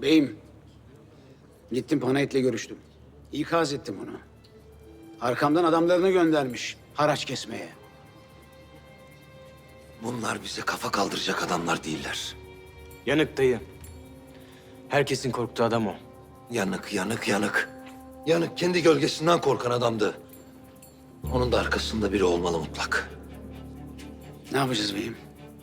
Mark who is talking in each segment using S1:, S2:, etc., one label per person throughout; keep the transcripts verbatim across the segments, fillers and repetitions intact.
S1: Beyim, gittim Panayit'le görüştüm. İkaz ettim onu. Arkamdan adamlarını göndermiş haraç kesmeye.
S2: Bunlar bize kafa kaldıracak adamlar değiller.
S3: Yanık dayı. Herkesin korktuğu adam o.
S2: Yanık, yanık, yanık. Yanık kendi gölgesinden korkan adamdı. Onun da arkasında biri olmalı mutlak.
S1: Ne yapacağız beyim?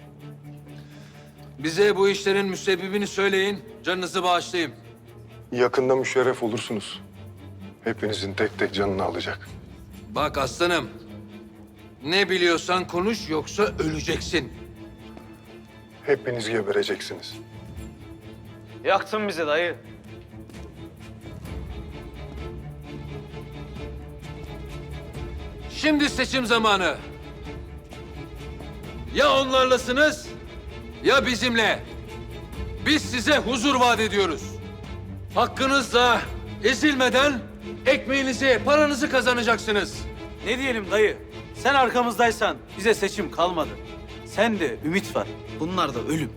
S4: Bize bu işlerin müsebbibini söyleyin, canınızı bağışlayayım.
S5: Yakında müşerref olursunuz. Hepinizin tek tek canını alacak.
S4: Bak aslanım, ne biliyorsan konuş yoksa öleceksin.
S5: Hepiniz gebereceksiniz.
S3: Yaktın bizi dayı.
S4: Şimdi seçim zamanı. Ya onlarlasınız ya bizimle. Biz size huzur vaat ediyoruz. Hakkınızla ezilmeden ekmeğinizi, paranızı kazanacaksınız.
S6: Ne diyelim dayı? Sen arkamızdaysan bize seçim kalmadı. Sen de ümit var. Bunlar da ölüm.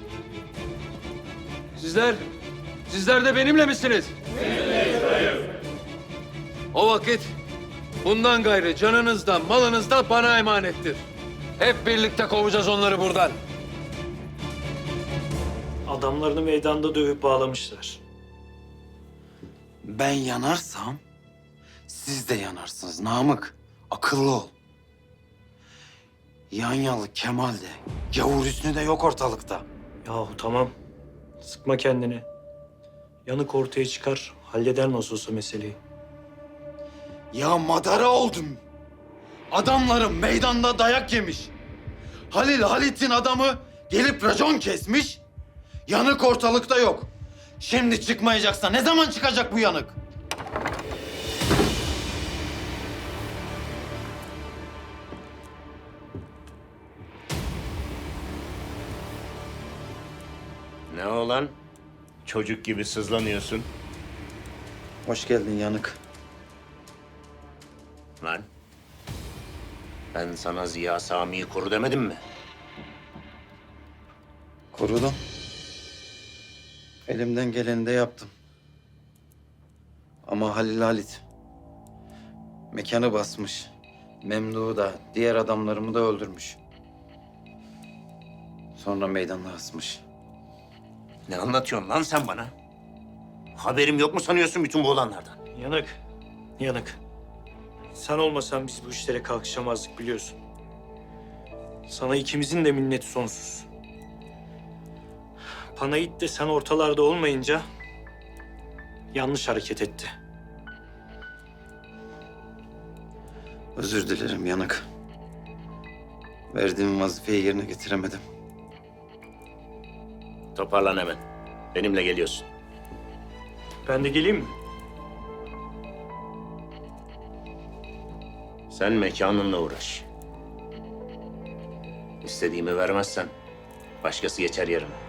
S4: Sizler, sizler de benimle misiniz? Benimleyiz dayı. O vakit bundan gayrı canınız da malınız da bana emanettir. Hep birlikte kovacağız onları buradan.
S7: Adamlarını meydanda dövüp bağlamışlar.
S8: Ben yanarsam siz de yanarsınız Namık. Akıllı ol. Yanyalı Kemal de, Gavur Hüsnü de yok ortalıkta.
S7: Yahu tamam. Sıkma kendini. Yanık ortaya çıkar. Halleder nasıl olsa meseleyi.
S8: Ya madara oldum. Adamlarım meydanda dayak yemiş. Halil Halit'in adamı gelip racon kesmiş. Yanık ortalıkta yok. Şimdi çıkmayacaksa ne zaman çıkacak bu yanık?
S9: Ne olan? Çocuk gibi sızlanıyorsun.
S8: Hoş geldin yanık.
S9: Lan. Ben sana Ziya Sami'yi koru demedim mi?
S8: Korudum. Elimden geleni de yaptım. Ama Halil Halit mekanı basmış. Memduh'u da diğer adamlarımı da öldürmüş. Sonra meydanda asmış.
S9: Ne anlatıyorsun lan sen bana? Haberim yok mu sanıyorsun bütün bu olanlardan?
S7: Yanık. Yanık. Sen olmasan biz bu işlere kalkışamazdık biliyorsun. Sana ikimizin de minneti sonsuz. Panayit de sen ortalarda olmayınca yanlış hareket etti.
S8: Özür dilerim yanık. Verdiğim vazifeyi yerine getiremedim.
S9: Toparlan hemen. Benimle geliyorsun.
S7: Ben de geleyim mi?
S9: Sen mekanınla uğraş. İstediğimi vermezsen başkası geçer yerime.